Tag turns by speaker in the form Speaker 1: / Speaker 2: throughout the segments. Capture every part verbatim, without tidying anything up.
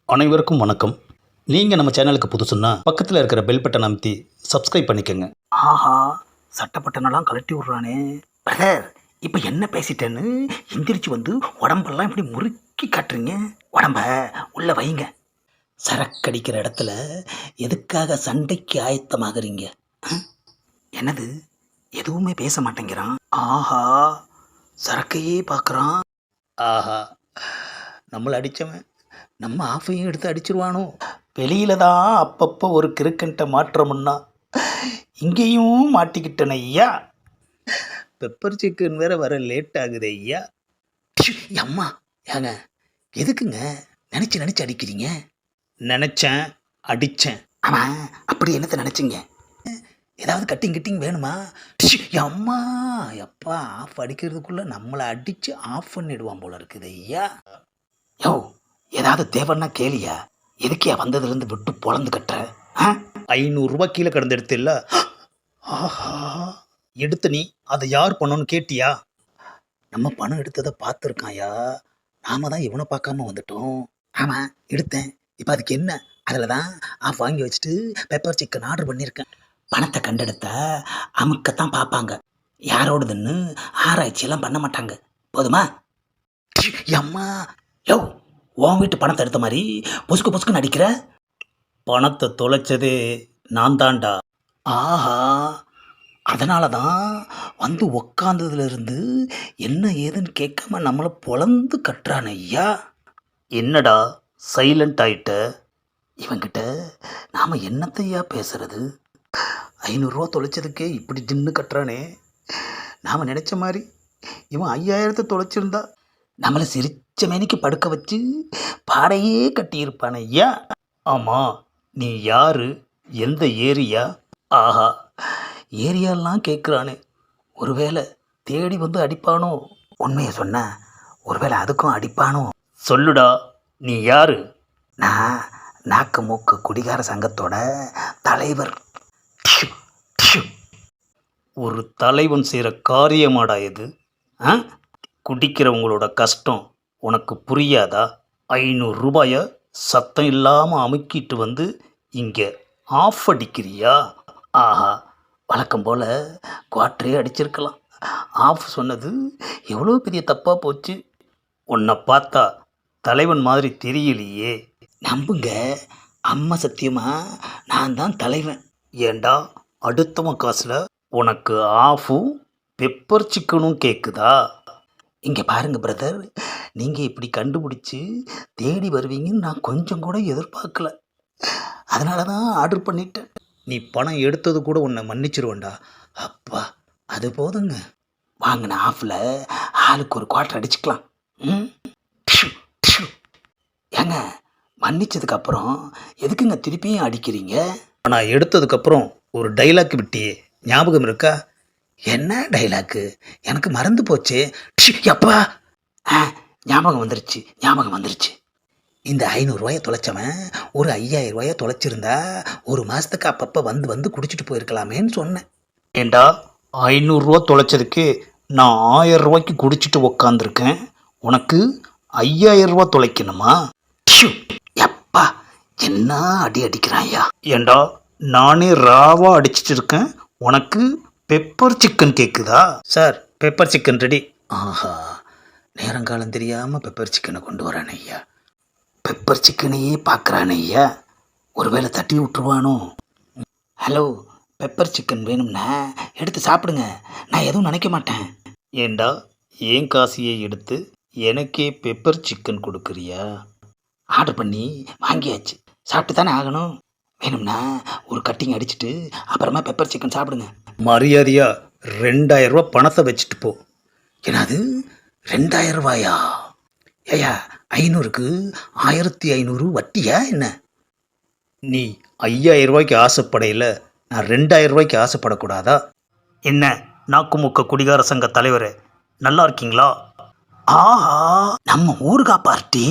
Speaker 1: அனைவருக்கும் வணக்கம். நீங்கள் நம்ம சேனலுக்கு புதுசுன்னா பக்கத்தில் இருக்கிற பெல் பட்டன் அமைத்தி சப்ஸ்கிரைப் பண்ணிக்கோங்க.
Speaker 2: ஆஹா, சட்டப்பட்டனெல்லாம் கழட்டி விட்றானே. பிரதர், இப்போ என்ன பேசிட்டேன்னு எந்திரிச்சு வந்து உடம்பெல்லாம் இப்படி முறுக்கி காட்டுறீங்க. உடம்ப உள்ள வைங்க. சரக்கடிக்கிற இடத்துல எதுக்காக சண்டைக்கு ஆயத்தமாகறீங்க? அஹ், என்னது எதுவுமே பேச மாட்டேங்கிறான். ஆஹா, சரக்கையே பார்க்குறான். ஆஹா, நம்மளை அடித்தவன் நம்ம ஆஃபையும் எடுத்து அடிச்சிருவானோ. வெளியில தான் அப்பப்போ ஒரு கிறுக்கன்ட்ட மாற்றமுன்னா இங்கேயும் மாட்டிக்கிட்டன ஐயா. பெப்பர் சிக்கன் வேற வர லேட் ஆகுது ஐயா. ப்ஷு, அம்மா ஏங்க எதுக்குங்க நினச்சி நினச்சி அடிக்கிறீங்க? நினச்சேன், அடித்தேன். ஆமாம், அப்படி என்னத்தை நினச்சிங்க? ஏதாவது கட்டிங் கிட்டிங் வேணுமா? ப்ஷு, அம்மா எப்பா ஆஃப் அடிக்கிறதுக்குள்ளே நம்மளை அடித்து ஆஃப் பண்ணிடுவான் போல இருக்குது ஐயா. யோ, ஏதாவது தேவைன்னா கேளியா? எதுக்கியா வந்ததுலேருந்து விட்டு பொழந்து கட்டுற? ஆ,
Speaker 1: ஐநூறுரூவா கீழே கிடந்து எடுத்தில்ல,
Speaker 2: ஆஹா,
Speaker 1: எடுத்து நீ அதை யார் பண்ணணும்னு கேட்டியா?
Speaker 2: நம்ம பணம் எடுத்ததை பார்த்துருக்காயா? நாம தான் இவனை பார்க்காம வந்துட்டோம். ஆமாம், எடுத்தேன். இப்போ அதுக்கு என்ன? அதில் தான் ஆஃப் வாங்கி வச்சுட்டு பெப்பர் சிக்கன் ஆர்டர் பண்ணியிருக்கேன். பணத்தை கண்டெடுத்தா அமுக்கத்தான் பார்ப்பாங்க. யாரோடதுன்னு ஆராய்ச்சியெல்லாம் பண்ண மாட்டாங்க. போதுமா? ப்ஷு, அம்மா யோ, உன் வீட்டு பணத்தை எடுத்த மாதிரி பொசுக்கு பொசுக்குன்னு அடிக்கிற.
Speaker 1: பணத்தை தொலைச்சதே நான் தான்டா.
Speaker 2: ஆஹா, அதனால தான் வந்து உக்காந்ததுலேருந்து என்ன ஏதுன்னு கேட்காம நம்மளை பொழந்து கட்டுறான் ஐயா.
Speaker 1: என்னடா சைலண்ட் ஆயிட்ட?
Speaker 2: இவன்கிட்ட நாம் என்னத்தையா பேசுறது? ஐநூறுரூவா தொலைச்சதுக்கே இப்படி தின்னு கட்டுறானே. நாம் நினச்ச மாதிரி இவன் ஐயாயிரத்தை தொலைச்சிருந்தா நம்மளை சிரிச்ச மேனிக்கு படுக்க வச்சு பாடையே கட்டியிருப்பான் ஐயா.
Speaker 1: ஆமாம், நீ யாரு, எந்த ஏரியா?
Speaker 2: ஆஹா, ஏரியாலாம் கேட்குறானே. ஒருவேளை தேடி வந்து அடிப்பானோ? உண்மையை சொன்ன ஒருவேளை அதுக்கும் அடிப்பானோ?
Speaker 1: சொல்லுடா, நீ யாரு?
Speaker 2: நான் நாக்கு மூக்கு குடிகார சங்கத்தோட தலைவர். டிஷு, டிஷு.
Speaker 1: ஒரு தலைவன் செய்கிற காரியமாடா இது? ஆ, குடிக்கிறவங்களோட கஷ்டம் உனக்கு புரியாதா? ஐநூறு ரூபாயை சத்தம் இல்லாமல் அமுக்கிட்டு வந்து இங்கே ஆஃப் அடிக்கிறியா?
Speaker 2: ஆஹா, வழக்கம் போல் குவாட்டரே அடிச்சிருக்கலாம். ஆஃப் சொன்னது எவ்வளோ பெரிய தப்பாக போச்சு.
Speaker 1: உன்னை பார்த்தா தலைவன் மாதிரி தெரியலையே.
Speaker 2: நம்புங்க, அம்மா சத்தியமா நான் தான் தலைவன்.
Speaker 1: ஏண்டா அடுத்தவன் காசில் உனக்கு ஆஃபும் பெப்பர் சிக்கனும் கேட்குதா?
Speaker 2: இங்கே பாருங்க பிரதர், நீங்கள் இப்படி கண்டுபிடிச்சி தேடி வருவீங்கன்னு நான் கொஞ்சம் கூட எதிர்பார்க்கல. அதனால தான் ஆர்டர் பண்ணிட்டேன்.
Speaker 1: நீ பணம் எடுத்தது கூட உன்னை மன்னிச்சிருவேண்டா.
Speaker 2: அப்பா, அது போதுங்க. வாங்கின ஆஃபில் ஆளுக்கு ஒரு குவார்ட்டர் அடிச்சுக்கலாம். ம், டிஷு, டிஷு. ஏங்க, மன்னிச்சதுக்கப்புறம் எதுக்குங்க திருப்பியும் அடிக்கிறீங்க?
Speaker 1: நான் எடுத்ததுக்கப்புறம் ஒரு டைலாக் விட்டியே, ஞாபகம் இருக்கா?
Speaker 2: என்ன டைலாக்கு? எனக்கு மறந்து போச்சு. ப்ஷு, அப்பா, ஆ, ஞாபகம் வந்துருச்சு, ஞாபகம் வந்துருச்சு. இந்த ஐநூறுரூவாயை தொலைச்சவன் ஒரு ஐயாயிரம் ரூபாயை தொலைச்சிருந்தா ஒரு மாதத்துக்கு அப்பப்போ வந்து வந்து குடிச்சிட்டு போயிருக்கலாமேன்னு சொன்னேன்.
Speaker 1: ஏண்டா ஐநூறுரூவா தொலைச்சதுக்கு நான் ஆயிரம் ரூபாய்க்கு குடிச்சிட்டு உக்காந்துருக்கேன், உனக்கு ஐயாயிரம் ரூபா தொலைக்கணுமா?
Speaker 2: ப்ஷு, எப்பா, என்ன அடி அடிக்கிறான் ஐயா.
Speaker 1: ஏண்டா நானே ராவா அடிச்சிட்டு இருக்கேன், உனக்கு பெப்பர் சிக்கன் கேட்குதா? Sir, pepper chicken ready.
Speaker 2: ஆஹா, நேரங்காலம் தெரியாமல் பெப்பர் சிக்கனை கொண்டு வரான் ஐயா. பெப்பர் சிக்கனையே பார்க்குறான் ஐயா. ஒருவேளை தட்டி விட்டுருவானோ? ஹலோ, பெப்பர் சிக்கன் வேணும்னா எடுத்து சாப்பிடுங்க, நான் எதுவும் நினைக்க மாட்டேன்.
Speaker 1: ஏண்டா ஏன் காசியை எடுத்து எனக்கே பெப்பர் சிக்கன் கொடுக்குறியா?
Speaker 2: ஆர்டர் பண்ணி வாங்கியாச்சு, சாப்பிட்டு தானே ஆகணும். வேணும்னா ஒரு கட்டிங் அடிச்சுட்டு அப்புறமா பெப்பர் சிக்கன் சாப்பிடுங்க.
Speaker 1: மரியாதையா ரெண்டாயிரம் ரூபா பணத்தை வச்சுட்டு போ.
Speaker 2: என்னது, ரெண்டாயிரம் ரூபாயா? ஏயா, ஐநூறுக்கு ஆயிரத்தி ஐநூறு வட்டியா என்ன?
Speaker 1: நீ ஐயாயிரம் ரூபாய்க்கு ஆசைப்படையில் நான் ரெண்டாயிரம் ரூபாய்க்கு ஆசைப்படக்கூடாதா? என்ன நாக்குமுக்க குடிகார சங்க தலைவர், நல்லா இருக்கீங்களா?
Speaker 2: ஆஹா, நம்ம ஊருகா பார்ட்டி.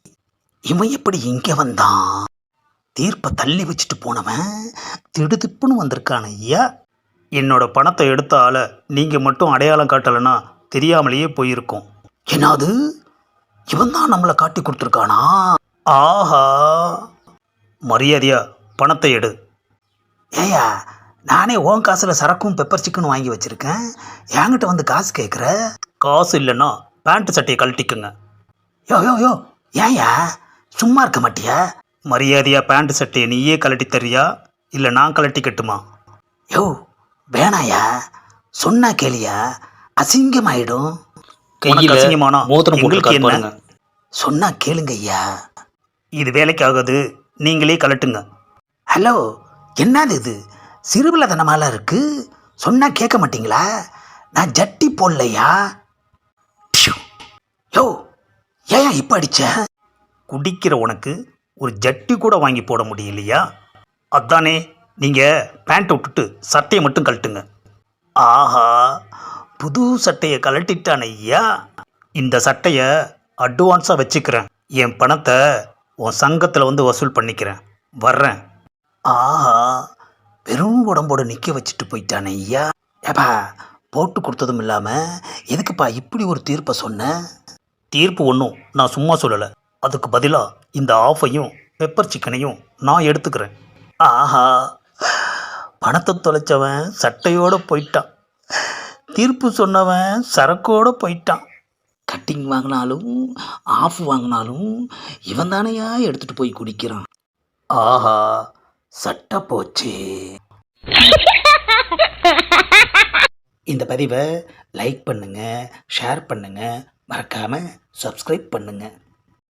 Speaker 2: இவன் எப்படி இங்கே வந்தான்? தீர்ப்பை தள்ளி வச்சுட்டு போனவன் திடுதிப்புன்னு வந்திருக்கான ஐயா.
Speaker 1: என்னோட பணத்தை எடுத்த ஆளை நீங்கள் மட்டும் அடையாளம் காட்டலைன்னா தெரியாமலேயே போயிருக்கோம்.
Speaker 2: என்னது, இவன் தான் நம்மளை காட்டி கொடுத்துருக்கானா?
Speaker 1: ஆஹா, மரியாதையா பணத்தை எடு.
Speaker 2: ஏயா நானே உன் காசில் சரக்கும் பெப்பர் சிக்கனும் வாங்கி வச்சுருக்கேன், என்கிட்ட வந்து காசு கேட்குற?
Speaker 1: காசு இல்லைன்னா பேண்ட் சட்டையை கழட்டிக்குங்க.
Speaker 2: யோ யோ யோ ஏயா சும்மா இருக்க மாட்டியா?
Speaker 1: மரியாதையா பேண்ட் சட்டையை நீயே கழட்டி தரியா இல்லை நான் கழட்டிக்கட்டுமா?
Speaker 2: யோ வேணாயா, சொன்னா கேளியா, அசிங்கமாயிடும்.
Speaker 1: உனக்கு அசிங்கமானா
Speaker 2: மோதிரம்
Speaker 1: உங்களுக்கு
Speaker 2: போட்டு
Speaker 1: என்ன?
Speaker 2: பாருங்க. சொன்னா கேளுங்க ஐயா.
Speaker 1: இது வேலைக்காகாது, நீங்களே கழட்டுங்க.
Speaker 2: ஹலோ, என்னது இது சிறுபிள்ளைத்தனமாலாம் இருக்கு? சொன்னா கேட்க மாட்டீங்களா? நான் ஜட்டி போடலையா? ப்ஷு. யோ ஏன் இப்போ அடிச்ச?
Speaker 1: குடிக்கிற உனக்கு ஒரு ஜட்டி கூட வாங்கி போட முடியலையா? அதானே நீங்கள் பேண்ட்டை விட்டுட்டு சட்டையை மட்டும் கழட்டுங்க. ஆஹா, புது சட்டையை கழட்டிட்டான் ஐயா. இந்த சட்டையை அட்வான்ஸாக வச்சுக்கிறேன். என் பணத்தை உன் சங்கத்தில் வந்து வசூல் பண்ணிக்கிறேன். வர்றேன்.
Speaker 2: ஆஹா, வெறும் உடம்போட நிற்க வச்சுட்டு போயிட்டானே ஐயா. ஏப்பா, போட்டு கொடுத்ததும் இல்லாமல் எதுக்குப்பா இப்படி ஒரு தீர்ப்பை சொன்ன?
Speaker 1: தீர்ப்பு ஒன்றும் நான் சும்மா சொல்லலை. அதுக்கு பதிலாக இந்த ஆஃபையும் பெப்பர் சிக்கனையும் நான் எடுத்துக்கிறேன்.
Speaker 2: ஆஹா, பணத்தை தொலைச்சவன் சட்டையோடு போயிட்டான், தீர்ப்பு சொன்னவன் சரக்கோடு போயிட்டான். கட்டிங் வாங்கினாலும் ஆஃப் வாங்கினாலும் இவன் தானையா எடுத்துகிட்டு போய் குடிக்கிறான். ஆஹா, சட்டை போச்சு. இந்த பதிவை லைக் பண்ணுங்கள், ஷேர் பண்ணுங்கள், மறக்காமல் சப்ஸ்கிரைப் பண்ணுங்கள்.